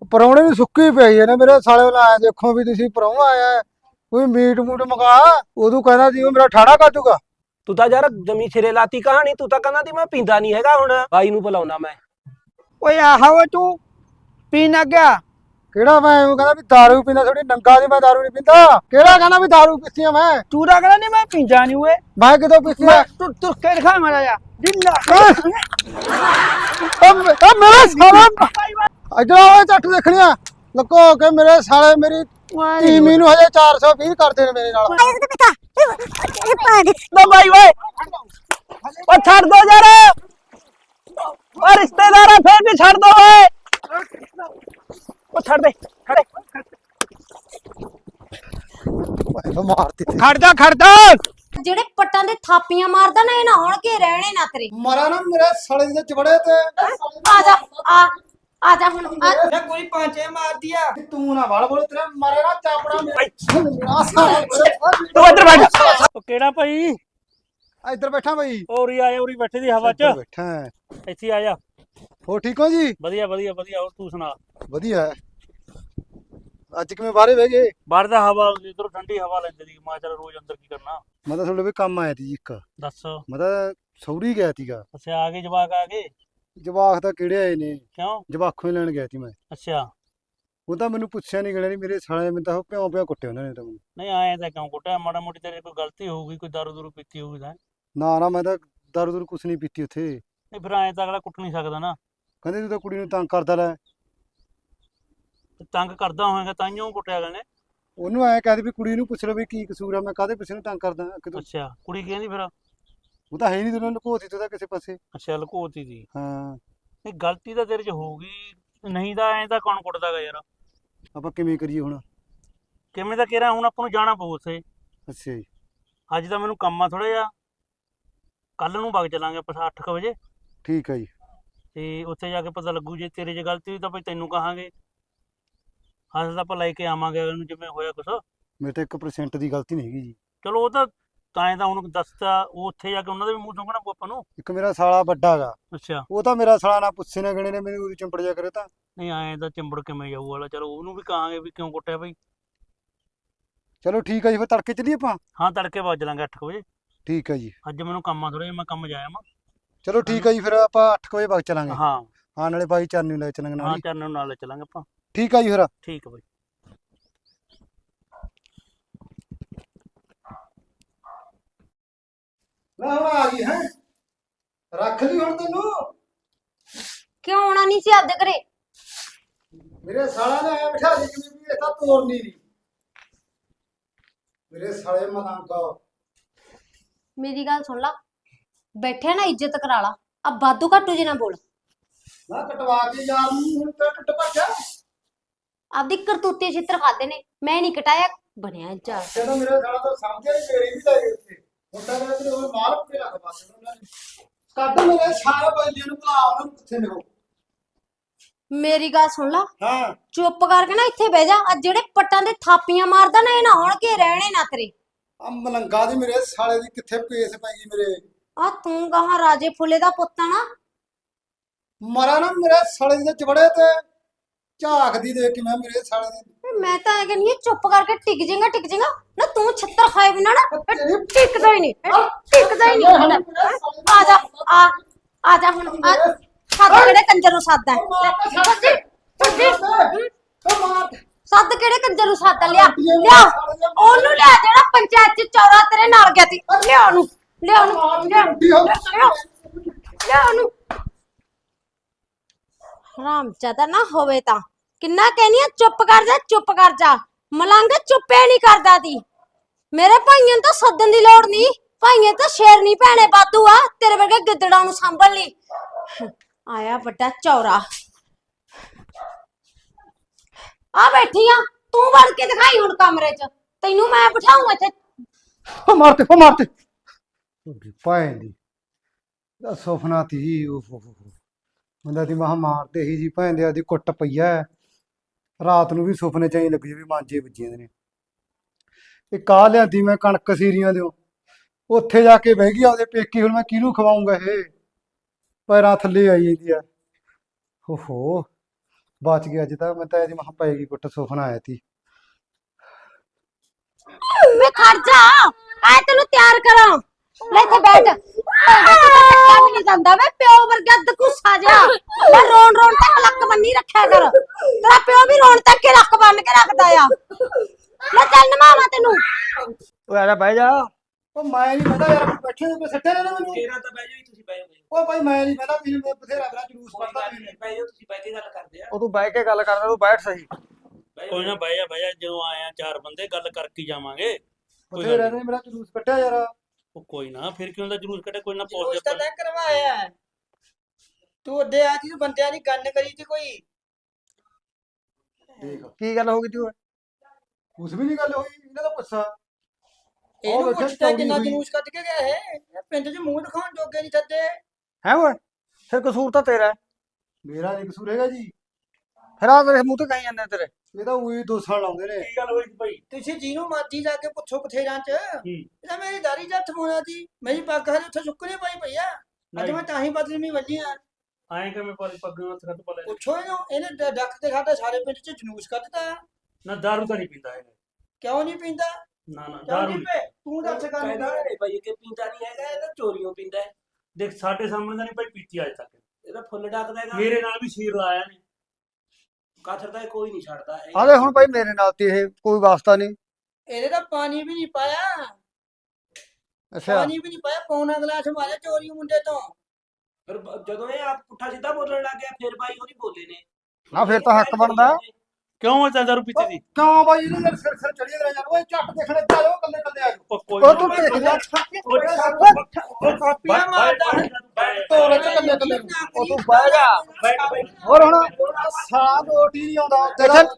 ਪਰੌਣੇ ਨੂੰ ਸੁੱਕੀ ਪਈ ਹੈ ਨਾ ਮੇਰੇ ਸਾਲੇ ਵੱਲ ਆਇਆ ਦੇਖੋ ਵੀ ਤੁਸੀਂ ਪਰੌਣਾ ਆਇਆ ਹੈ, ਕੋਈ ਮੀਟ ਮੂਟ ਮੰਗਾ। ਉਦੋਂ ਕਹਿੰਦਾ ਸੀ ਉਹ ਮੇਰਾ ਠਾੜਾ ਕੱਟੂਗਾ। ਤੂੰ ਤਾਂ ਯਾਰ ਜਮੀ ਸਿਰੇ ਲਾਤੀ ਕਹਾਣੀ। ਤੂੰ ਤਾਂ ਕਹਿੰਦਾ ਸੀ ਮੈਂ ਪੀਂਦਾ ਨਹੀਂ ਹੈਗਾ, ਹੁਣ ਬਾਈ ਨੂੰ ਬੁਲਾਉਣਾ ਮੈਂ। ਓਏ ਆਹੋ ਤੂੰ ਪੀਣ ਗਿਆ। ਕਿਹੜਾ ਮੈਂ ਉਹ ਕਹਿੰਦਾ ਵੀ ਦਾਰੂ ਪੀਂਦਾ, ਥੋੜੀ ਨੰਗਾ ਦੀ ਮੈਂ ਦਾਰੂ ਨਹੀਂ ਪੀਂਦਾ। ਕਿਹੜਾ ਕਹਿੰਦਾ ਵੀ ਦਾਰੂ ਪੀਤੀ ਆ ਮੈਂ? ਤੂੰ ਤਾਂ ਕਹਿੰਦਾ ਨਹੀਂ ਮੈਂ ਪੀਂਦਾ ਨਹੀਂ ਓਏ। ਮੈਂ ਕਿਦੋਂ ਪੀਤੀ ਆ? ਤੂੰ ਤੁਰ ਕੇ ਦਿਖਾ ਮਾੜਾ ਜਾ ਜਿੰਨਾ ਉਹ ਮੇਰਾ ਸਾਲਾ ਇਧਰ ਆਓ ਝੱਟ ਦੇਖਣੀਆਂ ਲੱਕੋ ਕੇ ਮੇਰੇ ਸਾਲੇ ਮੇਰੀ ਟੀਮੀ ਨੂੰ ਹਜੇ 420 ਕਰਦੇ ਨੇ ਮੇਰੇ ਨਾਲ। ਲੋ ਬਾਈ ਓਏ, ਓ ਛੱਡ ਦੋ ਯਾਰ, ਓ ਰਿਸ਼ਤੇਦਾਰਾ ਫੇਰ ਵੀ ਛੱਡ ਦੋ ਓਏ। ਓ ਛੱਡ ਦੇ, ਛੱਡ ਦੇ। ਮਾਰਤੀ ਖੜਦਾ ਜਿਹੜੇ ਪੱਟਾਂ ਦੇ ਥਾਪੀਆਂ ਮਾਰਦਾ ਨਾ, ਇਹ ਨਾ ਹੋਣ ਕੇ ਰਹਿਣੇ ਨਾ ਤੇਰੇ। ਮਾਰਾ ਨਾ ਮੇਰੇ ਸਾਲੇ ਦੇ ਚਬੜੇ ਤੇ। ਆ ਜਾ ਆ ਜਾ ਹੁਣ ਮੈਂ ਕੋਈ ਪਾਂਚੇ ਮਾਰਦੀ ਆ। ਤੂੰ ਨਾ ਵਾਲ ਬੋਲ, ਤੇਰੇ ਮਾਰੇ ਨਾ ਚਾਪੜਾ ਮੇਰਾ ਸਾਲਾ। ਤੂੰ ਇੱਧਰ ਬੈਠ। ਓ ਕਿਹੜਾ ਭਾਈ? ਇੱਧਰ ਬੈਠਾ ਬਈ। ਔਰੀ ਆਇਆ, ਔਰੀ ਬੈਠੇ ਦੀ ਹਵਾ 'ਚ। ਬੈਠਾ ਹੈ। ਇੱਥੇ ਆ ਜਾ। ਹੋ ਠੀਕ ਹੋ ਜੀ? ਵਧੀਆ ਵਧੀਆ ਵਧੀਆ, ਹੋਰ ਤੂੰ ਸੁਣਾ? ਵਧੀਆ ਹੈ। ਅੱਜ ਕਿਵੇਂ ਬਾਹਰੇ ਬਹਿ ਗਏ? ਬਾਹਰ ਦਾ ਹਵਾ, ਇਧਰੋਂ ਠੰਡੀ ਹਵਾ ਲੈਂਦੇ ਦੀ। ਮੈਂ ਚੱਲ ਰੋਜ਼ ਅੰਦਰ ਕੀ ਕਰਨਾ। ਮੈਂ ਤਾਂ ਤੁਹਾਡੇ ਵੀ ਕੰਮ ਆਇਆ ਸੀ ਜੀ ਇੱਕ। ਦੱਸ। ਮੈਂ ਤਾਂ ਸੌਰੀ ਗਿਆ ਸੀਗਾ। ਅੱਛਾ, ਆ ਗਏ ਜਵਾਕ ਆ ਗਏ? ਜਵਾਕ ਤਾਂ ਕਿਹੜੇ ਆਏ ਨੇ? ਕਿਉਂ? ਜਵਾਖੋਂ ਹੀ ਲੈਣ ਗਿਆ ਸੀ ਮੈਂ। ਅੱਛਾ, ਉਹ ਤਾਂ ਮੈਨੂੰ ਪੁੱਛਿਆ ਨਹੀਂ ਗਲਿਆ ਨਹੀਂ, ਮੇਰੇ ਸਾਲੇ ਮੈਨੂੰ ਤਾਂ ਪਿਓ ਪਿਓ ਕੁੱਟੇ ਉਹਨਾਂ ਨੇ ਤਾਂ ਮੈਨੂੰ। ਨਹੀਂ ਆਏ ਤਾਂ ਕਿਉਂ ਕੁੱਟਿਆ? ਮਾੜਾ ਮੋਟੀ ਤੇਰੇ ਕੋਈ ਗਲਤੀ ਹੋਊਗੀ, ਕੋਈ ਦਾਰੂ ਦੂਰੂ ਪੀਤੀ ਹੋਊਗੀ ਤਾਂ। ਨਾ ਮੈਂ ਤਾਂ ਦਾਰੂ ਦੂਰੂ ਕੁਛ ਨਹੀਂ ਪੀਤੀ ਉੱਥੇ। ਨਹੀਂ ਫਿਰ ਆਏ ਤਾਂ ਅਗਲਾ ਕੁੱਟ ਨਹੀਂ ਸਕਦਾ ਨਾ। ਕਹਿੰਦੇ ਤੂੰ ਤਾਂ ਕੁੜੀ ਨੂੰ ਤੰਗ ਕਰਦਾ ਲੈ। ਤੇ ਤੰਗ ਕਰਦਾ ਹੋਏਗਾ ਤਾਈਓ ਕੁੱਟਿਆ ਅਗਲੇ ਨੇ। ਉਹਨੂੰ ਐਂ ਕਹਿੰਦੇ ਵੀ ਕੁੜੀ ਨੂੰ ਪੁੱਛ ਲਓ ਵੀ ਕੀ ਕਸੂਰ ਆ, ਮੈਂ ਕਾਹਦੇ ਪਿੱਛੇ ਨੂੰ ਤੰਗ ਕਰਦਾ ਕਿਤੋਂ। ਅੱਛਾ, ਕੁੜੀ ਕਹਿੰਦੀ ਫਿਰ? ਉਹ ਤਾਂ ਹੈ ਨਹੀਂ, ਤੈਨੂੰ ਲੁਕੋਤੀ ਤੂੰ ਤਾਂ ਕਿਸੇ ਪਾਸੇ। ਅੱਛਾ, ਲੁਕੋਤੀ ਦੀ। ਹਾਂ, ਨਹੀਂ ਗਲਤੀ ਤਾਂ ਤੇਰੇ 'ਚ ਹੋਊਗੀ, ਨਹੀਂ ਤਾਂ ਐਂ ਤਾਂ ਕੌਣ ਕੁੱਟਦਾਗਾ ਯਾਰ। ਆਪਾਂ ਕਿਵੇਂ ਕਰੀਏ ਹੁਣ? ਕਿਵੇਂ ਤਾਂ ਕਿਹਾ, ਹੁਣ ਆਪਾਂ ਨੂੰ ਜਾਣਾ ਪਊ ਉੱਥੇ। ਅੱਛਾ ਜੀ। ਅੱਜ ਤਾਂ ਮੈਨੂੰ ਕੰਮ ਆ ਥੋੜਾ ਜਿਹਾ, ਕੱਲ ਨੂੰ ਵਗ ਚੱਲਾਂਗੇ ਆਪਾਂ 8 ਵਜੇ। ਠੀਕ ਹੈ ਜੀ। ਤੇ ਉੱਥੇ ਜਾ ਕੇ ਪਤਾ ਲੱਗੂ, ਜੇ ਤੇਰੇ 'ਚ ਗਲਤੀ ਹੋਈ ਤਾਂ ਭਾਈ ਤੈਨੂੰ ਕਹਾਂਗੇ। ਹੱਥ ਤਾਂ ਆਪਾਂ ਲੈ ਕੇ ਆਵਾਂਗੇ ਅਗਲੇ ਨੂੰ, ਜਿਵੇਂ ਹੋਇਆ ਕੁਛ। ਮੇਰੇ ਤਾਂ 1% ਦੀ ਗਲਤੀ ਨਹੀਂ ਹੈਗੀ ਜੀ। ਚਲੋ ਉਹ ਤਾਂ ਤਾਂ ਉਹਨੂੰ ਦੱਸਤਾ, ਉਹ ਉੱਥੇ ਜਾ ਕੇ ਉਹਨਾਂ ਦੇ ਵੀ ਮੂੰਹ ਸੁੰਘਣਾ ਪਊ ਆਪਾਂ ਨੂੰ। ਇੱਕ ਮੇਰਾ ਸਾਲਾ ਵੱਡਾ ਗਾ, ਅੱਛਾ। ਉਹ ਤਾਂ ਮੇਰਾ ਸਾਲਾ ਨਾ ਪੁੱਛੇ ਨਾ ਗਣੇ ਨੇ ਮੈਨੂੰ ਉਰੀ ਚੰਪੜ ਜਾ ਕਰੇ ਤਾਂ। ਨਹੀਂ ਆਏ ਤਾਂ ਚਿੰਬੜ ਕਿਵੇਂ ਜਾਊ ਵਾਲਾ। ਚਲੋ ਉਹਨੂੰ ਵੀ ਕਹਾਂਗੇ ਵੀ ਕਿਉਂ ਕੁੱਟਿਆ ਭਾਈ। ਚਲੋ ਠੀਕ ਹੈ ਜੀ, ਫਿਰ ਤੜਕੇ ਚੱਲੀਏ ਆਪਾਂ। ਹਾਂ, ਤੜਕੇ ਵਗ ਚੱਲਾਂਗੇ 8 ਵਜੇ। ਠੀਕ ਹੈ ਜੀ। ਅੱਜ ਮੈਨੂੰ ਕੰਮ ਆ ਥੋੜਾ ਜਿਹਾ, ਮੈਂ ਕੰਮ ਜਾਇਆ ਮੈਂ। ਚਲੋ ਠੀਕ ਹੈ ਜੀ, ਫਿਰ ਆਪਾਂ 8 ਵਜੇ ਵਗ ਚੱਲਾਂਗੇ। ਹਾਂ ਹਾਂ, ਨਾਲੇ ਬਾਈ ਚਰਨ ਨੂੰ ਲੈ ਚੱਲਾਂਗੇ ਨਾਲ ਹਾਂ, ਹੀ। ਚਰਨ ਨੂੰ ਨਾਲ ਲੈ ਚੱਲਾਂਗੇ ਆਪਾਂ। ਠੀਕ ਹੈ ਜੀ ਫਿਰ। ਠੀਕ ਹੈ ਬਾਈ। ਲੈ ਹੁਣ ਆ ਗਈ ਹੈ, ਰੱਖ ਲਈ ਹੁਣ ਤੈਨੂੰ। ਕਿਉਂ ਆਉਣਾ ਨਹੀਂ ਸੀ ਆਪਦੇ ਘਰੇ? ਮੇਰੇ ਸਾਲਾ ਨੇ ਐ ਬਿਠਾ ਲਈ ਜਿਵੇਂ ਵੀ ਇਹ ਤਾਂ ਤੋੜਨੀ ਨਹੀਂ। ਮੇਰੇ ਸਾਲੇ ਮਲੰਗਾ। ਮੇਰੀ ਗੱਲ ਸੁਣ ਲਾ, ਬੈਠਿਆ ਨਾ ਇੱਜ਼ਤ ਕਰਾ ਲਾ। ਆ ਬਾਦੂ ਘਾਟੂ ਜੀ ਨਾ ਬੋਲ। ਮੈਂ ਕਟਵਾ ਕੇ ਯਾਰ ਨੂੰ ਹੁਣ ਤੇ ਟੁੱਟ ਭੱਜਿਆ। ਆਪਦੀ ਕਰਤੂਤੇ ਛਿੱਤਰ ਖਾਦੇ ਨੇ, ਮੈਂ ਨਹੀਂ ਕਟਾਇਆ। ਬਣਿਆ ਜਾ ਜਦੋਂ ਮੇਰੇ ਸਾਲਾ ਤਾਂ ਸਮਝਿਆ ਨਹੀਂ, ਮੇਰੀ ਵੀ ਲੈ ਗਏ ਉੱਥੇ। ਮੁੰਡਾ ਮੇਰੇ ਤੇ ਉਹ ਮਾਰ ਕੇ ਰੱਖ ਪਾਸੇ ਉਹਨਾਂ ਨੇ। ਕੱਢ ਮੇਰੇ ਸਾਰੇ ਬੰਦਿਆਂ ਨੂੰ, ਭੁਲਾ ਉਹਨਾਂ ਨੂੰ ਕਿੱਥੇ ਨੇ ਉਹ। ਮੇਰੀ ਗੱਲ ਸੁਣ ਲਾ, ਹਾਂ, ਚੁੱਪ ਕਰਕੇ ਨਾ ਇੱਥੇ ਬਹਿ ਜਾ। ਆ ਜਿਹੜੇ ਪੱਟਾਂ ਦੇ ਥਾਪੀਆਂ ਮਾਰਦਾ ਨਾ, ਇਹ ਨਾ ਹੋਣ ਕੇ ਰਹਿਣੇ ਨਾ ਤੇਰੇ। ਆ ਮਲੰਗਾ ਦੀ ਮੇਰੇ ਸਾਲੇ ਦੀ ਕਿੱਥੇ ਪੇਸ ਪੈ ਗਈ ਮੇਰੇ। ਆ ਤੂੰ ਕਹਾਂ ਰਾਜੇ ਫੁੱਲੇ ਦਾ ਪੁੱਤ ਆ ਨਾ। ਮਰਾ ਨਾ ਮੇਰੇ ਸਾਲੇ ਦੇ ਚਬੜੇ ਤੇ। ਝਾਕਦੀ ਦੇਖ ਕੇ ਮੈਂ ਮੇਰੇ ਸਾਲੇ ਦੀ। ਮੈਂ ਤਾਂ ਇਹ ਕਹਿੰਦੀ ਆ, ਚੁੱਪ ਕਰਕੇ ਟਿਕ ਜਾਏਗਾ ਨਾ। ਤੂੰ ਛੱਤਰ ਖਾਏ ਬਿਨਾ ਨਾ ਟਿਕਦਾ ਹੀ ਨਹੀਂ, ਟਿਕਦਾ ਹੀ ਨਹੀਂ। ਆ ਜਾ ਆ ਜਾ ਹੁਣ। ਸੱਦ ਕਿਹੜੇ ਕੰਜਰ ਨੂੰ ਸੱਦ ਹੈ? ਸੱਦ ਕਿਹੜੇ ਕੰਜਰ ਨੂੰ ਸੱਦ? ਲਿਆ ਉਹਨੂੰ, ਲਿਆ ਜਿਹੜਾ ਪੰਚਾਇਤ ਚ ਚੌਰਾ ਤੇਰੇ ਨਾਲ ਗਿਆ ਸੀ। ਲਿਆ ਉਹਨੂੰ। ਹਰਾਮਜ਼ਾਦਾ ਨਾ ਹੋਵੇ ਤਾਂ ਕਿੰਨਾ ਕਹਿਨੀ ਆ, ਚੁੱਪ ਕਰ ਜਾ। ਮਲੰਗ ਚੁੱਪੇ ਨਹੀਂ ਕਰਦਾ ਤੀ। ਮੇਰੇ ਭਾਈਆਂ ਨੂੰ ਤਾਂ ਸੱਦਣ ਦੀ ਲੋੜ ਨਹੀਂ, ਭਾਈਆਂ ਤਾਂ ਸ਼ੇਰਨੀ ਭੈਣੇ ਬਾਦੂ ਆ। ਤੇਰੇ ਵਰਗੇ ਗਿੱਦੜਾਂ ਨੂੰ ਸੰਭਲ ਲਈ ਆਇਆ ਵੱਡਾ ਚੌਰਾ। ਆ ਬੈਠੀ ਆ ਤੂੰ, ਵੜ ਕੇ ਦਿਖਾਈ ਹੁਣ ਕਮਰੇ 'ਚ। ਤੈਨੂੰ ਮੈਂ ਬਿਠਾਉਂ ਇੱਥੇ। ਉਹ ਮਾਰਤੇ ਭੈਣ ਦੀ ਦਾ ਸੁਪਨਾ ਤੀ। ਉਹ ਬੰਦਾ ਦੀ ਮਹਾ ਮਾਰਦੇ ਹੀ ਜੀ ਭੈਣ ਦੇ ਆਦੀ ਕੁੱਟ ਪਈਆ। ਰਾਤ ਨੂੰ ਵੀ ਸੁਪਨੇ ਚ ਹੀ ਲੱਗੀ ਵੀ ਮਾਂਜੇ ਵੱਜੀਆਂ ਨੇ। ਇਹ ਕਾਹ ਲਿਆਂਦੀ ਮੈਂ ਕਣਕ ਸੀਰੀਆਂ ਦਿਓ, ਉੱਥੇ ਜਾ ਕੇ ਬਹਿ ਗਈ ਆਪਦੇ ਪੇਕੀ। ਹੁਣ ਮੈਂ ਕਿਹਨੂੰ ਖਵਾਉਂਗਾ? ਇਹ ਪੈਰਾਂ ਥੱਲੇ ਆਈ ਜਾਂਦੀ ਆ। ਓਹੋ, ਬਚ ਗਿਆ ਅੱਜ ਤਾਂ ਮੈਂ ਤਾਂ ਇਹਦੀ ਮਹਾਂ ਪਏਗੀ ਕੁੱਟ ਸੁਪਨਾ ਆਇਆ ਤੀ ਮੈਂ ਖੜ ਜਾ ਆਏ ਤੈਨੂੰ ਤਿਆਰ ਕਰਾਂ ਲੈ ਇੱਥੇ ਬੈਠ ਕਿਆ ਵੀ ਨਹੀਂ ਜਾਂਦਾ ਵੇ ਪਿਓ ਵਰਗਾ ਦਕੂਸਾ ਜਾ ਮੈਂ ਰੋਣ ਰੋਣ ਤੱਕ ਲੱਕ ਬੰਨੀ ਰੱਖਿਆ ਕਰ ਤੇਰਾ ਪਿਓ ਵੀ ਰੋਣ ਤੱਕ ਕੇ ਲੱਕ ਬੰਨ ਕੇ ਰੱਖਦਾ ਆ ਲੈ ਚੱਲ ਨਮਾਵਾ ਤੈਨੂੰ ਓਏ ਆ ਜਾ ਬਹਿ ਜਾ। ਉਹ ਮੈਂ ਨਹੀਂ ਪਤਾ ਯਾਰ ਬੈਠੇ ਨੇ ਸੱਟੇ ਨੇ ਮੈਨੂੰ ਤੇਰਾ ਤਾਂ ਬਹਿ ਜਾਓ ਤੁਸੀਂ ਬਹਿ ਜਾਓ ਉਹ ਭਾਈ ਮੈਂ ਨਹੀਂ ਪਤਾ ਮੈਨੂੰ ਬਥੇਰਾ ਬੜਾ ਜਲੂਸ ਕੱਢਦਾ ਬਹਿ ਜਾਓ ਤੁਸੀਂ ਬਹਿ ਕੇ ਗੱਲ ਕਰਦੇ ਆ ਉਹ ਤੂੰ ਬਹਿ ਕੇ ਗੱਲ ਕਰਦਾ ਤੂੰ ਬੈਠ ਸਹੀ। ਕੋਈ ਨਾ ਬਹਿ ਜਾ ਜਦੋਂ ਆਇਆ ਚਾਰ ਬੰਦੇ ਗੱਲ ਕਰਕੇ ਹੀ ਜਾਵਾਂਗੇ ਬਥੇਰਾ ਨੇ ਮੇਰਾ ਜਲੂਸ ਕੱਢਿਆ ਯਾਰ ਉਹ ਕੋਈ ਨਾ ਫਿਰ ਕਿਉਂ ਦਾ ਜਲੂਸ ਕੱਢੇ ਕੋਈ ਨਾ ਉਸ ਪਹੁੰਚ ਤਾਂ ਤੈਂ ਕਰਵਾਇਆ ਹੈ। ਤੂੰ ਅੱਡੇ ਆ ਜੀ ਬੰਦਿਆਂ ਦੀ ਗੱਲ ਕਰੀ ਤੀ ਕੋਈ ਦੇਖ ਕੀ ਗੱਲ ਹੋ ਗਈ ਤੂੰ ਕੁਛ ਵੀ ਨਹੀਂ ਗੱਲ ਹੋਈ ਇਹਨਾਂ ਦਾ ਗੁੱਸਾ ਇਹਨੂੰ ਵੇਖਿਆ ਪੁੱਛਦਾ ਚੌੜੀ ਕਿੰਨਾ ਹੋਈ। ਜਲੂਸ ਕੱਢ ਕੇ ਗਿਆ ਇਹ ਪਿੰਡ 'ਚ ਮੂੰਹ ਦਿਖਾਉਣ ਜੋਗੇ ਨਹੀਂ ਥੱਦੇ ਹੈ ਓਏ ਫਿਰ ਕਸੂਰ ਤਾਂ ਤੇਰਾ ਹੈ। ਮੇਰਾ ਨਹੀਂ ਕਸੂਰ ਹੈਗਾ ਜੀ ਫਿਰ ਆ ਤੇਰੇ ਮੂੰਹ ਤੇ ਕਹੀ ਜਾਂਦੇ ਤੇਰੇ ਇਹ ਤਾਂ ਉਹੀ ਦੋਸਾਂ ਲਾਉਂਦੇ ਨੇ ਕੀ ਗੱਲ ਹੋਈ ਸੀ ਭਾਈ ਤੁਸੀਂ ਜਿਹਨੂੰ ਮਰਜੀ ਜਾ ਕੇ ਪੁੱਛੋ ਬਥੇਰਾਂ 'ਚ ਇਹਦਾ ਮੇਰੀ ਦਾੜੀ ਜੱਟ ਹੋਣਾ ਸੀ ਮੇਰੀ ਪੱਗ ਹਲੇ ਉੱਥੇ ਸੁੱਕਣੀ ਪਈ ਪਈ ਆ ਅੱਜ ਮੈਂ ਤਾਂ ਹੀ ਬਦਲਮੀ ਵੱਜੀ ਆ ਆਏ ਕਿ ਮੈਂ ਪੱਗਾਂ ਹੱਥ ਤੋਂ ਪਲੇ ਪੁੱਛੋ ਇਹਨੇ ਡੱਕ ਤੇ ਸਾਡੇ ਸਾਰੇ ਪਿੰਡ 'ਚ ਜਲੂਸ ਕੱਢਤਾ ਨਾ ਦਾਰੂ ਤਾਂ ਨਹੀਂ ਪੀਂਦਾ ਹੈਗਾ ਕਿਉਂ ਨਹੀਂ ਪੀਂਦਾ ਨਾ ਕਿਉਂ ਦਾਰੂ ਨਹੀਂ ਪੇ ਤੂੰ ਦੱਸ ਕਹਿੰਦਾ ਕਰ ਹੈ ਭਾਈ ਕਿ ਪੀਂਦਾ ਨਹੀਂ ਹੈਗਾ ਇਹ ਤਾਂ ਚੋਰੀਆਂ ਪੀਂਦਾ ਹੈ ਦੇਖ ਸਾਡੇ ਸਾਹਮਣੇ ਤਾਂ ਨਹੀਂ ਭਾਈ ਪੀਤੀ ਅੱਜ ਤੱਕ ਇਹਦਾ ਫੁੱਲ ਡੱਕਦਾ ਹੈਗਾ ਮੇਰੇ ਨਾਲ ਵੀ ਸ਼ੀਰ ਲਾਇਆ ਨੇ ਕਾਥਰ ਦਾ ਕੋਈ ਨਹੀਂ ਛੱਡਦਾ ਆਲੇ ਹੁਣ ਭਾਈ ਮੇਰੇ ਨਾਲ ਤੇ ਇਹ ਕੋਈ ਵਾਸਤਾ ਨਹੀਂ ਇਹਦੇ ਤਾਂ ਪਾਣੀ ਵੀ ਨਹੀਂ ਪਾਇਆ ਅੱਛਾ ਪਾਣੀ ਵੀ ਨਹੀਂ ਪਾਇਆ ਪੌਣਾ ਗਲਾਸ ਮਾਰਿਆ ਚੋਰੀ ਮੁੰਡੇ ਤੋਂ ਫਿਰ ਜਦੋਂ ਇਹ ਆਪ ਪੁੱਠਾ ਸਿੱਧਾ ਬੋਲਣ ਲੱਗ ਗਿਆ ਫਿਰ ਭਾਈ ਉਹਦੀ ਬੋਲੇ ਨੇ ਨਾ ਫਿਰ ਤਾਂ ਹੱਕ ਬਣਦਾ ਕਿਉਂ ਇਹ ਦਾਰੂ ਪੀਤੀ ਦੀ ਕਿਉਂ ਬਾਈ ਇਹਨੂੰ ਯਾਰ ਸਿਰ ਸਿਰ ਚੜੀ ਜਰਾ ਯਾਰ ਓਏ ਝੱਟ ਦੇਖਣੇ ਚਾਹੋ ਕੱਲੇ ਕੱਲੇ ਆ ਜਾਓ ਕੋਈ ਉਹ ਤੂੰ ਦੇਖ ਜਾ ਕਾਪੀਆਂ ਮਾਰਦਾ ਤੋਰੇ ਚ ਕੱਲੇ ਕੱਲੇ ਉਹ ਤੂੰ ਬਹਿ ਜਾ ਹੋਰ ਹੁਣ ਸਾਲਾ ਰੋਟੀ ਨਹੀਂ ਆਉਂਦਾ ਉੱਤੇ ਦਾ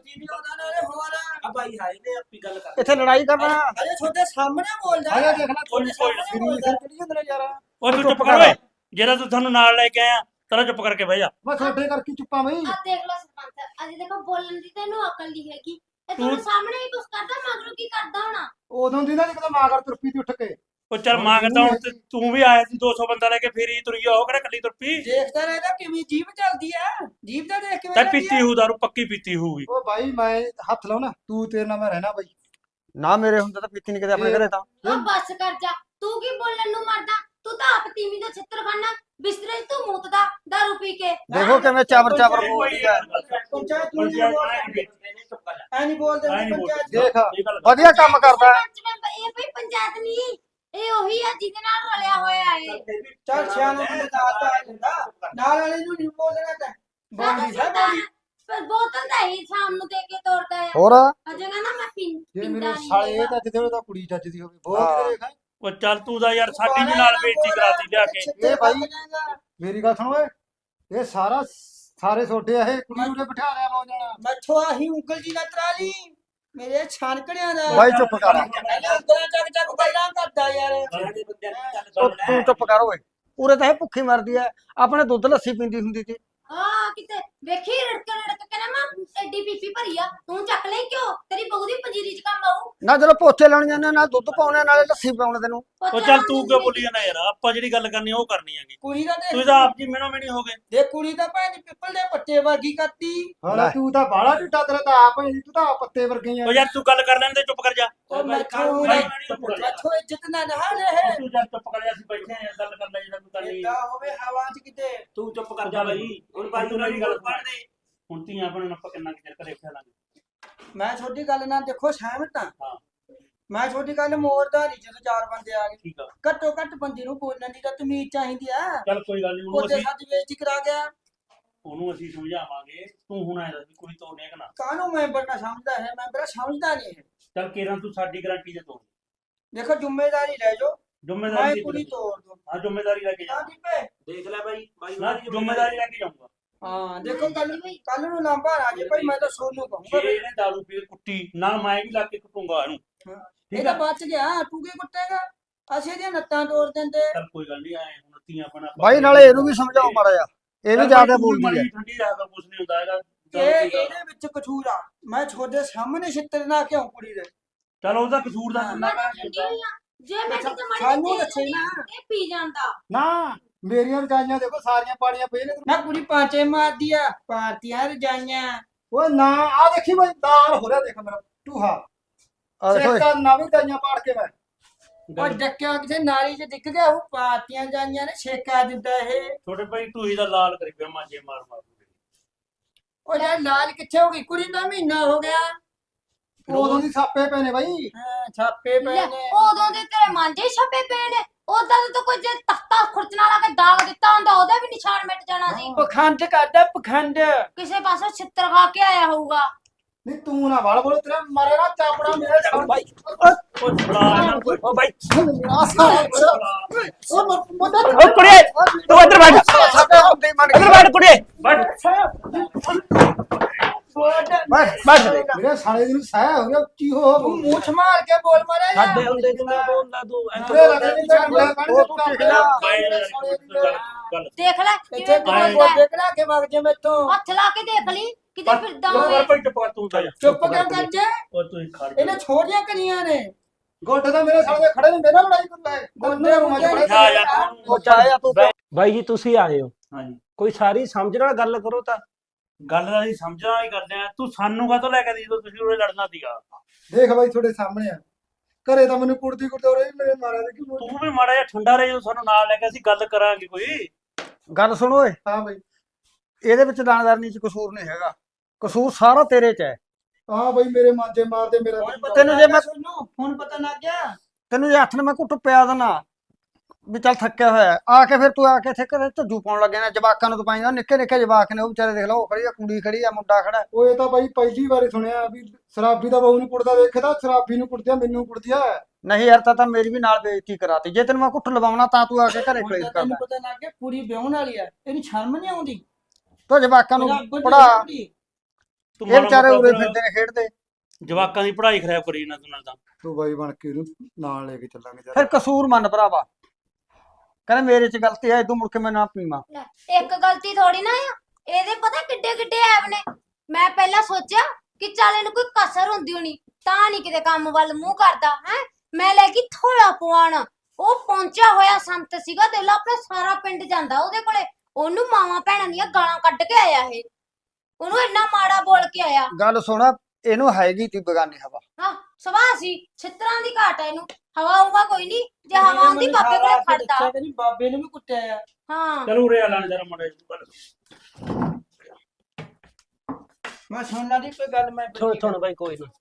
ਆ ਭਾਈ ਹਾਏ ਨੇ ਆਪੀ ਗੱਲ ਕਰ ਇੱਥੇ ਲੜਾਈ ਕਰਨਾ ਅਰੇ ਤੁਹਾਡੇ ਸਾਹਮਣੇ ਬੋਲਦਾ ਆਇਆ ਦੇਖਣਾ ਕੋਈ ਸਿਰ ਸਿਰ ਚੜੀ ਜਾਂਦੇ ਨੇ ਯਾਰ ਉਹ ਤੂੰ ਚੁੱਪ ਕਰ ਓਏ ਜਿਹੜਾ ਤੂੰ ਤੁਹਾਨੂੰ ਨਾਲ ਲੈ ਕੇ ਆਇਆ ਤਰਾ ਚੁੱਪ ਕਰਕੇ ਬਹਿ ਜਾ ਮੈਂ ਤੁਹਾਡੇ ਕਰਕੇ ਚੁੱਪਾਂ ਬਈ ਆ ਦੇਖ ਲੋ ਸਰਪੰਚ ਅਜੇ ਦੇਖੋ ਬੋਲਣ ਦੀ ਤੈਨੂੰ ਅਕਲ ਨਹੀਂ ਹੈਗੀ ਇਹ ਤੁਹਾਨੂੰ ਸਾਹਮਣੇ ਹੀ ਕੁਛ ਕਰਦਾ ਮਗਰੋਂ ਕੀ ਕਰਦਾ ਹੋਣਾ ਉਦੋਂ ਦੀ ਨਾ ਜਦੋਂ ਮਾਂ ਕਰ ਤੁਰਪੀ ਤੇ ਉੱਠ ਕੇ ਉਹ ਚੱਲ ਮੰਗਦਾ ਹੁਣ ਤੇ ਤੂੰ ਵੀ ਆਇਆ ਸੀ 200 ਬੰਦਾ ਲੈ ਕੇ ਫੇਰ ਹੀ ਤੁਰੀ ਉਹ ਕਿਹੜਾ ਕੱਲੀ ਤੁਰਪੀ ਦੇਖਦਾ ਰਹਿੰਦਾ ਕਿਵੇਂ ਜੀਭ ਚੱਲਦੀ ਆ ਜੀਭ ਤਾਂ ਦੇਖ ਕਿਵੇਂ ਤਾਂ ਚੱਲਦੀ ਪੀਤੀ ਹੂ ਦਾਰੂ ਪੱਕੀ ਪੀਤੀ ਹੋਊਗੀ ਉਹ ਬਾਈ ਮੈਂ ਹੱਥ ਲਾਉ ਨਾ ਤੂੰ ਤੇਰੇ ਨਾਲ ਮੈਂ ਰਹਿਣਾ ਬਾਈ ਨਾ ਮੇਰੇ ਹੁੰਦਾ ਤਾਂ ਪੀਤੀ ਨਹੀਂ ਕਦੇ ਆਪਣੇ ਘਰੇ ਤਾਂ ਆ ਬਸ ਕਰ ਜਾ ਤੂੰ ਕੀ ਬੋਲਣ ਨੂੰ ਮਰਦਾ ਤੂੰ ਤਾਂ ਆਪ ਤੀਵੀਂ ਦਾ ਛਿੱਤਰ ਖਾਨਾ ਬਿਸਤਰੇ 'ਚ ਤੂੰ ਮੂਤਦਾ ਦਾਰੂ ਪੀ ਕੇ ਦੇਖੋ ਕਿਵੇਂ ਚਾਬਰ ਚਾਬਰ ਬੋਲਦੀ ਹੈ ਪੰਚਾਇਤ ਨੂੰ ਨਹੀਂ ਬੋਲਦੇ ਐ ਨਹੀਂ ਬੋਲਦੇ ਪੰਚਾਇਤ ਦੇਖ ਵਧੀਆ ਕੰਮ ਕਰਦਾ ਹੈ। ਸਰਪੰਚ ਮੈਂਬਰ ਇਹ ਭਈ ਪੰਚਾਇਤ ਨਹੀਂ ਇਹ ਉਹੀ ਆ ਜਿਹਦੇ ਨਾਲ ਰਲਿਆ ਹੋਇਆ ਏ ਚੱਲ ਸਿਆਣੇ ਬੰਦੇ ਦਾ ਆਤਾ ਆ ਜਾਂਦਾ ਨਾਲ ਵਾਲੇ ਨੂੰ ਨਹੀਂ ਬੋਲਣਾ ਤਾਂ ਬੋਲੀ ਸਾ ਬੋਲੀ ਪਰ ਬੋਤਲ ਤਾਂ ਹੀ ਸ਼ਾਮ ਨੂੰ ਦੇ ਕੇ ਤੋੜਦਾ ਆ ਹੋਰ ਅਜੇ ਕਹਿੰਦਾ ਮੈਂ ਜੇ ਪਿੰਡਾ ਮੇਰੇ ਨਹੀਂ ਸਾਲੇ ਇਹ ਤਾਂ ਜਿੱਦੇ ਉਹਦਾ ਕੁੜੀ ਜੱਜਦੀ ਹੋਵੇ ਬਹੁਤ ਦੇਖ ਉਹ ਚੱਲ ਤੂੰ ਦਾ ਯਾਰ ਸਾਡੀ ਵੀ ਨਾਲ ਬੇਇੱਜ਼ਤੀ ਕਰਾਤੀ ਲਿਆ ਕੇ ਇਹ ਭਾਈ ਮੇਰੀ ਗੱਲ ਸੁਣ ਓਏ ਇਹ ਸਾਰਾ ਸਾਰੇ ਛੋਟੇ ਆ ਇਹ ਕੁੜੀ ਉਰੇ ਬਿਠਾ ਲਿਆ ਮੌ ਜਾਣਾ ਮੱਛੋ ਆਹੀ ਉਂਗਲ ਜੀ ਨਾ ਤਰਾ ਲਈ ਮੇਰੇ ਛਾਨਕੜਿਆਂ ਦਾ ਬਾਈ ਚੁੱਪ ਕਰ ਪਹਿਲਾਂ ਉਂਗਲਾਂ ਚੱਕ ਚੱਕ ਗੱਲਾਂ ਕਰਦਾ ਯਾਰ ਉਹ ਤੂੰ ਚੁੱਪ ਕਰ ਓਏ ਉਰੇ ਤਾਂ ਇਹ ਭੁੱਖੀ ਮਰਦੀ ਐ ਆਪਣੇ ਦੁੱਧ ਲੱਸੀ ਪੀਂਦੀ ਹੁੰਦੀ ਸੀ ਹਾਂ ਕਿਤੇ ਵੇਖੀ ਰੜਕ ਕੇ ਨਾ ਮੈਂ ਐਡੀ ਪੀਪੀ ਭਰੀ ਆ ਤੂੰ ਚੱਕ ਲਈ ਕਿਉਂ ਤੇਰੀ ਬਹੂ ਦੀ ਪੰਜੀਰੀ 'ਚ ਕੰਮ ਆਊ ਨਾ ਜਦੋਂ ਪੋਚੇ ਲਾਉਣ ਜਾਂਦੇ ਨਾਲ ਦੁੱਧ ਪਾਉਣੇ ਨਾਲੇ ਲੱਸੀ ਪਾਉਣੇ ਤੈਨੂੰ ਉਹ ਚੱਲ ਤੂੰ ਕਿਉਂ ਬੋਲੀ ਜਾਂਦਾ ਯਾਰ ਆਪਾਂ ਜਿਹੜੀ ਗੱਲ ਕਰਨੀ ਉਹ ਕਰਨੀ ਹੈਗੀ ਕੁੜੀ ਦਾ ਤੂੰ ਦੇਖ ਤਾਂ ਆਪ ਜੀ ਮਿਣੋ ਮਿਣੀ ਹੋ ਗਏ ਦੇ ਕੁੜੀ ਦਾ ਭੈਣ ਦੀ ਪਿੱਪਲ ਦੇ ਪੱਤੇ ਵਰਗੀ ਕਰਤੀ ਹਾਲਾ ਤੂੰ ਤਾਂ ਬਾਹਲਾ ਢਿੱਟਾ ਤੇਰਾ ਤਾਂ ਆਪ ਹੀ ਤੂੰ ਤਾਂ ਆਪ ਪੱਤੇ ਵਰਗੀ ਆ ਉਹ ਯਾਰ ਤੂੰ ਗੱਲ ਕਰ ਲੈਣ ਦੇ ਚੁੱਪ ਕਰ ਜਾ ਉਹ ਮੈਥੋਂ ਇੱਜ਼ਤ ਨਾ ਨਾ ਲੈ ਤੂੰ ਚੱਲ ਚੁੱਪ ਕਰ ਜਾ ਅਸੀਂ ਬੈਠੇ ਆ ਗੱਲ ਕਰ ਲੈ ਜਿਹੜਾ ਤੂੰ ਕਰਨੀ ਏਦਾਂ ਹੋਵੇ ਹਵਾ 'ਚ ਕਿਤੇ ਤੂੰ ਚੁੱਪ ਕਰ ਜਾ ਬਾਈ ਹੁਣ ਬਾਈ ਉਹਨਾਂ ਦੀ ਗੱਲ ਪੜ ਦੇ ਹੁਣ ਧੀਆਂ ਆਪਣੇ ਨਾਲ ਆਪਾਂ ਕਿੰਨਾ ਚਿਰ ਘਰੇ ਖਿਆ ਲਾਂਗੇ ਮੈਂ ਛੋਟੀ ਗੱਲ ਨਾਲ ਦੇਖੋ ਸਹਿਮਤ ਹਾਂ ਹਾਂ ਮੈਂ ਛੋਟੀ ਗੱਲ ਮੋੜਦਾ ਨਹੀਂ ਜਦੋਂ ਚਾਰ ਬੰਦੇ ਆ ਗਏ ਠੀਕ ਆ ਘੱਟੋ ਘੱਟ ਬੰਦੇ ਨੂੰ ਬੋਲਣ ਦੀ ਤਾਂ ਤਮੀਜ਼ ਚਾਹੀਦੀ ਆ ਚੱਲ ਕੋਈ ਗੱਲ ਨਹੀਂ ਉਹਨੂੰ ਉਹਦੇ ਅਸੀਂ ਸਾਡੀ ਬੇਇੱਜ਼ਤੀ ਕਰਾ ਗਿਆ ਸਮਝਾਵਾਂਗੇ ਤੂੰ ਹੁਣ ਆਇਆ ਸੀ ਕੁੜੀ ਤੋੜਨੇ ਕਿ ਨਾ ਕਾਹਨੂੰ ਮੈਂਬਰ ਨਾ ਸਮਝਦਾ ਹੈ ਮੈਂਬਰ ਸਮਝਦਾ ਨਹੀਂ ਹੈ ਚੱਲ ਕੇਰਾਂ ਤੂੰ ਸਾਡੀ ਗਾਰੰਟੀ ਦੇ ਤੋੜ ਦੇਖੋ ਜ਼ਿੰਮੇਵਾਰੀ ਲੈ ਜਾਓ ਮੈਂ ਜ਼ਿੰਮੇਵਾਰੀ ਕੁੜੀ ਤੋੜ ਦੂੰ ਹਾਂ ਜ਼ਿੰਮੇਵਾਰੀ ਲੈ ਕੇ ਜਾ ਹਾਂ ਦੀਪੇ ਦੇਖ ਲੈ ਬਾਈ ਨਾ ਜ਼ਿੰਮੇਵਾਰੀ ਲੈ ਕੇ ਜਾਊਂਗਾ ਹਾਂ ਦੇਖੋ ਕੱਲ ਨੂੰ ਲਾਂਭਾ ਆ ਜੇ ਭਾਈ ਮੈਂ ਤਾਂ ਸੋਨੂੰ ਕਹੂੰਗਾ ਜੇ ਇਹਨੇ ਦਾਰੂ ਪੀ ਕੇ ਕੁੱਟੀ ਨਾਲ ਮੈਂ ਵੀ ਲਾ ਕੇ ਕੁੱਟੂੰਗਾ ਇਹਨੂੰ ਇਹ ਤਾਂ ਬਚ ਗਿਆ ਤੂੰ ਕੀ ਕੁੱਟੇਗਾ ਅਸੀਂ ਇਹਦੀਆਂ ਨੱਤਾਂ ਤੋੜ ਦਿੰਦੇ ਚੱਲ ਕੋਈ ਗੱਲ ਨਹੀਂ ਆਏ ਹੁਣ ਧੀਆਂ ਆਪਣਾ ਬਾਈ ਨਾਲੇ ਇਹਨੂੰ ਵੀ ਸਮਝਾਓ ਮਾੜਾ ਜਿਹਾ ਇਹ ਵੀ ਜ਼ਿਆਦਾ ਬੋਲਦੀ ਹੈ ਠੰਡੀ ਰਹਿ ਕੇ ਕੁਝ ਨਹੀਂ ਹੁੰਦਾ ਹੈਗਾ ਇਹਦੇ ਵਿੱਚ ਕਸੂਰ ਆ ਮੈਂ ਤੁਹਾਡੇ ਸਾਹਮਣੇ ਛਿੱਤਰ ਨਾ ਕਿਉਂ ਕੁੜੀ ਦੇ ਚਲ ਉਹਦਾ ਕਸੂਰ ਦਾ ਮੈਂ ਤਾਂ ਠੰਡੀ ਹੋਈ ਆ ਜੇ ਮੈਂ ਕਿਤੇ ਮੜੀ ਸਾਨੂੰ ਦੱਸੇ ਨਾ ਇਹ ਪੀ ਜਾਂਦਾ ਨਾ ਮੇਰੀਆਂ ਰਜਾਈਆਂ ਦੇਖੋ ਸਾਰੀਆਂ ਪਾੜੀਆਂ ਪਈਆਂ ਨੇ। ਨਾ ਕੁੜੀ ਪਾਂਚੇ ਮਾਰਦੀ ਆ ਪਾਰਤੀਆਂ ਰਜਾਈਆਂ। ਓਏ ਨਾ ਆ ਦੇਖੀ ਬਈ ਦਾਲ ਹੋ ਰਿਹਾ, ਦੇਖ ਮੇਰਾ ਟੂਹਾ ਆ ਦੇਖੋ ਇੱਕ ਨਵੀਂ ਰਜਾਈਆਂ ਪਾੜ ਕੇ ਮੈਂ ਉਹ ਡੱਕਿਆ ਕਿਸੇ ਨਾਲੀ 'ਚ ਡਿੱਗ ਗਿਆ, ਉਹ ਪਾਰਤੀਆਂ ਰਜਾਈਆਂ ਨੇ ਛੇਕਾ ਦਿੰਦਾ ਇਹ। ਛੋਟੇ ਭਾਈ ਤੂੰ ਹੀ ਦਾ ਲਾਲ ਕਰੀ ਪਿਆ ਮਾਂਜੇ ਮਾਰ ਮਾਰ। ਉਹ ਯਾਰ ਲਾਲ ਕਿੱਥੇ ਹੋ ਗਈ ਕੁੜੀ ਦਾ ਮਹੀਨਾ ਹੋ ਗਿਆ। ਉਦੋਂ ਦੀ ਛਾਪੇ ਪਏ ਨੇ ਬਈ। ਹਾਂ ਛਾਪੇ ਪਏ ਲੈ, ਨੇ। ਉਦੋਂ ਦੇ ਤੇਰੇ ਮਾਂਜੇ ਹੀ ਛੱਪੇ ਪਏ ਨੇ। ਉਦਾਂ ਤਾਂ ਕੋਈ ਜੇ ਤਖਤਾ ਖੁਰਚਣਾ ਲਾ ਕੇ ਦਾਗ ਦਿੱਤਾ ਹੁੰਦਾ ਉਹਦਾ ਵੀ ਨਿਸ਼ਾਨ ਮਿਟ ਜਾਣਾ ਸੀ। ਪਖੰਡ ਕਰਦਾ ਪਖੰਡ। ਕਿਸੇ ਪਾਸੋਂ ਛਿੱਤਰ ਖਾ ਕੇ ਆਇਆ ਹੋਊਗਾ। ਨਹੀਂ ਤੂੰ ਨਾ ਵੜ ਬੋਲ, ਤੇਰਾ ਮਾਰੇ ਨਾ ਚਾਪੜਾ ਮੇਰੇ ਸਾਹ ਬਾਈ ਉਹ ਛੜਾ ਇਹਨਾਂ ਕੋਈ ਓ ਬਾਈ ਮੇਰਾ ਸਾਹ ਉਹ ਮਦਦ ਓ ਕੁੜੀਏ ਤੂੰ ਇੱਧਰ ਬੈਠ ਇੱਧਰ ਬੈਠ ਕੁੜੀਏ ਬੈਠ ਮੇਰੇ ਸਾਲੇ ਦੀ ਨੂੰ ਸਾਹ ਹੋ ਗਿਆ, ਉੱਚੀ ਹੋ ਮੂੰਹ ਮਾਰ ਕੇ ਬੋਲ ਮਾਰਿਆ ਯਾਰ। ਸਾਡੇ ਹੁੰਦੇ ਕਿੰਨਾ ਬੋਲਦਾ ਤੂੰ ਮੇਰੇ ਲੱਗੇ ਨਹੀਂ ਉਹ ਤੂੰ ਟਿਕ ਜਾ। ਗੱਲ ਦੇਖ ਲੈ ਇੱਥੇ ਕਿਵੇਂ ਕੋਈ ਬੋਲਦਾ ਹੈ। ਦੇਖਣਾ ਕਿ ਵਗ ਜੇ ਮੈਥੋਂ। ਹੱਥ ਲਾ ਕੇ ਦੇਖ ਲਈ ਕਿਤੇ ਫਿਰਦਾ ਚੁੱਪ ਹੋਵੇ। ਕਰ ਭਾਈ ਟਪਾ ਤੂੰ ਤਾਂ ਚੁੱਪ ਕਿਉਂ ਕਰ ਜੇ? ਉਹ ਤੂੰ ਹੀ ਖੜ ਇਹਨੇ ਛੋੜੀਆਂ ਕਰੀਆਂ ਨੇ। ਗੋਡੇ ਤਾਂ ਮੇਰੇ ਸਾਲੇ ਦੇ ਖੜੇ ਨੇ, ਮੇਰੇ ਨਾਲ ਲੜਾਈ ਕਰਦਾ ਹੈ ਗੋਡੇ ਰੂਮਾਂ 'ਚ ਖੜੇ ਜਾ ਯਾਰ ਤੂੰ ਉਹ ਚਾਹਿਆ ਤੂੰ ਬਾਈ ਜੀ ਤੁਸੀਂ ਆਏ ਹੋ, ਹਾਂਜੀ ਕੋਈ ਸਾਰੀ ਸਮਝ ਨਾਲ ਗੱਲ ਕਰੋ ਤਾਂ। ਗੱਲ ਦਾ ਅਸੀਂ ਸਮਝਣਾ ਹੀ ਕਰਦੇ ਆ। ਤੂੰ ਸਾਨੂੰ ਕਾਹਤੋਂ ਲੈ ਕੇ ਦੀ ਜਦੋਂ ਤੁਸੀਂ ਉਰੇ ਲੜਨਾ ਸੀਗਾ। ਦੇਖ ਬਾਈ ਤੁਹਾਡੇ ਸਾਹਮਣੇ ਆ, ਘਰੇ ਤਾਂ ਮੈਨੂੰ ਕੁੜਦੀ ਕੁੜਦੇ ਰਹੇ ਮੇਰੇ ਮਾਰਿਆ ਦੇ ਕਿ ਤੂੰ ਵੀ ਮਾੜਾ ਜਿਹਾ ਠੰਡਾ ਰਹੇ ਜਦੋਂ ਸਾਨੂੰ ਨਾਲ ਲੈ ਕੇ ਅਸੀਂ ਗੱਲ ਕਰਾਂਗੇ ਕੋਈ। ਗੱਲ ਸੁਣੋ ਓਏ, ਹਾਂ ਬਾਈ। ਇਹਦੇ ਵਿੱਚ ਦਾਨਦਾਰਨੀ ਚ ਕਸੂਰ ਨਹੀਂ ਹੈਗਾ, ਕਸੂਰ ਸਾਰਾ ਤੇਰੇ ਚ ਹੈ। ਹਾਂ ਬਾਈ ਮੇਰੇ ਮਾਂਜੇ ਮਾਰਦੇ ਮੇਰਾ ਤੈਨੂੰ ਜੇ ਮੈਂ ਹੁਣ ਪਤਾ ਲੱਗ ਗਿਆ। ਤੈਨੂੰ ਜੇ ਹੱਥ ਨੇ ਮੈਂ ਘੁੱਟ ਪਿਆ ਦੇਣਾ ਵੀ ਚੱਲ ਥੱਕਿਆ ਹੋਇਆ ਆ ਕੇ ਫਿਰ ਤੂੰ ਆ ਕੇ ਇੱਥੇ ਘਰੇ ਝੱਜੂ ਪਾਉਣ ਲੱਗੇ ਨਾ। ਜਵਾਕਾਂ ਨੂੰ ਤੂੰ ਪਾਈਂਦਾ, ਨਿੱਕੇ ਨਿੱਕੇ ਜਵਾਕ ਨੇ ਉਹ ਵਿਚਾਰੇ ਦੇਖ ਲਓ, ਉਹ ਖੜੀ ਆ ਕੁੜੀ ਖੜੀ ਆ ਮੁੰਡਾ ਖੜਾ। ਉਹ ਇਹ ਤਾਂ ਬਾਈ ਪਹਿਲੀ ਵਾਰੀ ਸੁਣਿਆ ਵੀ ਸ਼ਰਾਬੀ ਦਾ ਬਹੂ ਨੂੰ ਕੁੱਟਦਾ ਦੇਖਦਾ, ਸ਼ਰਾਬੀ ਨੂੰ ਕੁੱਟਦਿਆ ਮੈਨੂੰ ਕੁੱਟਦਿਆ। ਨਹੀਂ ਯਾਰ ਤਾਂ ਮੇਰੀ ਵੀ ਨਾਲ ਬੇਇੱਜ਼ਤੀ ਕਰਾਤੀ। ਜੇ ਤੈਨੂੰ ਮੈਂ ਘੁੱਟ ਲਵਾਉਣਾ ਤਾਂ ਤੂੰ ਆ ਕੇ ਘਰੇ ਹੁਣ ਕਲੇਸ਼ ਤਾਂ ਕਰਦਾ। ਤੈਨੂੰ ਪਤਾ ਲੱਗ ਗਿਆ ਕੁੜੀ ਵਿਆਹਣ ਵਾਲੀ ਆ, ਇਹਨੂੰ ਸ਼ਰਮ ਨਹੀਂ ਆਉਂਦੀ। ਤੂੰ ਜਵਾਕਾਂ ਨੂੰ ਰੱਬ ਦੀ ਪੜਾ, ਕੁੜੀ। ਤੂੰ ਇਹ ਵਿਚਾਰੇ ਮਾੜਾ ਉਰੇ ਮੋਟਾ ਫਿਰਦੇ ਨੇ ਖੇਡਦੇ। ਜਵਾਕਾਂ ਦੀ ਪੜ੍ਹਾਈ ਖਰਾਬ ਕਰੀ ਇਹਨਾਂ ਤੂੰ ਨਾਲ ਤਾਂ। ਤੂੰ ਬਾਈ ਬਣ ਕੇ ਇਹਨੂੰ ਨਾਲ ਲੈ ਕੇ ਚੱਲਾਂਗੇ ਫਿਰ ਕਸੂਰ ਮੰਨ ਭਰਾਵਾ, ਕਹਿੰਦੇ ਮੇਰੇ ਚ ਗਲਤੀ ਹੈ, ਤੂੰ ਮੁੜ ਕੇ ਮੈਂ ਨਾ ਪੀਵਾਂ। ਲੈ, ਇੱਕ ਗਲਤੀ ਥੋੜੀ ਨਾ ਆ, ਇਹਦੇ ਪਤਾ ਕਿੱਡੇ ਕਿੱਡੇ ਐਬ ਨੇ। ਮੈਂ ਪਹਿਲਾਂ ਸੋਚਿਆ ਕਿ ਚੱਲ ਇਹਨੂੰ ਕੋਈ ਕਸਰ ਹੁੰਦੀ ਹੋਣੀ ਤਾਂ ਨਹੀਂ ਕਿਤੇ ਕੰਮ ਵੱਲ ਮੂੰਹ ਕਰਦਾ ਹੈ। ਮੈਂ ਲੈ ਗਈ ਥੋੜਾ ਪਵਾਣ, ਉਹ ਪਹੁੰਚਿਆ ਹੋਇਆ ਸੰਤ ਸੀਗਾ। ਦੇਖ ਲਾ ਆਪਣਾ ਸਾਰਾ ਪਿੰਡ ਜਾਂਦਾ ਉਹਦੇ ਕੋਲੇ, ਉਹਨੂੰ ਮਾਵਾਂ ਭੈਣਾਂ ਦੀਆਂ ਗਾਲਾਂ ਕੱਢ ਕੇ ਆਇਆ ਇਹ, ਉਹਨੂੰ ਇੰਨਾ ਮਾੜਾ ਬੋਲ ਕੇ ਆਇਆ। ਗੱਲ ਸੁਣਾ, ਇਹਨੂੰ ਹੈਗੀ ਤੀ ਬਗਾਨੀ ਹਵਾ। ਹਾਂ ਸੁਭਾਅ ਸੀ, ਛਿੱਤਰਾਂ ਦੀ ਘਾਟ ਹੈ ਇਹਨੂੰ। ਹਵਾ ਆਊਗਾ ਕੋਈ ਨਹੀਂ, ਜੇ ਹਵਾ ਆਉਂਦੀ ਬਾਬੇ ਕੋਲੇ ਖੜਦਾ। ਕਹਿੰਦੀ ਬਾਬੇ ਨੂੰ ਵੀ ਕੁੱਟਿਆ ਆ। ਹਾਂ ਚਲ ਉਰੇ ਆ ਲੈਣ ਜਰਾ ਮਾੜਾ ਜਿਹਾ। ਮੈਂ ਸੁਣ ਲਾ ਦੀ ਕੋਈ ਗੱਲ ਮੈਂ ਸੁਣ ਬਾਈ ਕੋਈ ਨਾ।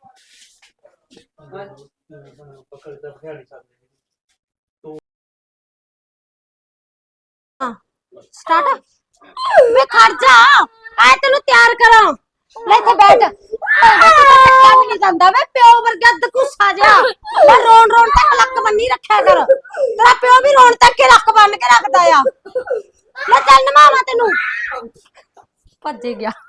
ਪਕੜ ਤਾਂ ਖਿਆਲੀ ਸਕਦੇ। ਸਟਾਰਟ ਮੈਂ ਖੜ ਜਾ, ਆਏ ਤੈਨੂੰ ਤਿਆਰ ਕਰਾਂ। ਲੈ ਇੱਥੇ ਬੈਠ। ਟੱਕਾ ਵੀ ਨਹੀਂ ਜਾਂਦਾ ਵੇ ਪਿਓ ਵਰਗਾ ਦਕੂਸਾ ਜਿਹਾ। ਮੈਂ ਰੋਣ ਰੋਣ ਤੱਕ ਲੱਕ ਬੰਨੀ ਰੱਖਿਆ ਕਰ। ਤੇਰਾ ਪਿਓ ਵੀ ਰੋਣ ਤੱਕ ਹੀ ਲੱਕ ਬੰਨ ਕੇ ਰੱਖਦਾ ਆ। ਲੈ ਚੱਲ ਨਮਾਵਾ ਤੈਨੂੰ। ਭੱਜ ਗਿਆ।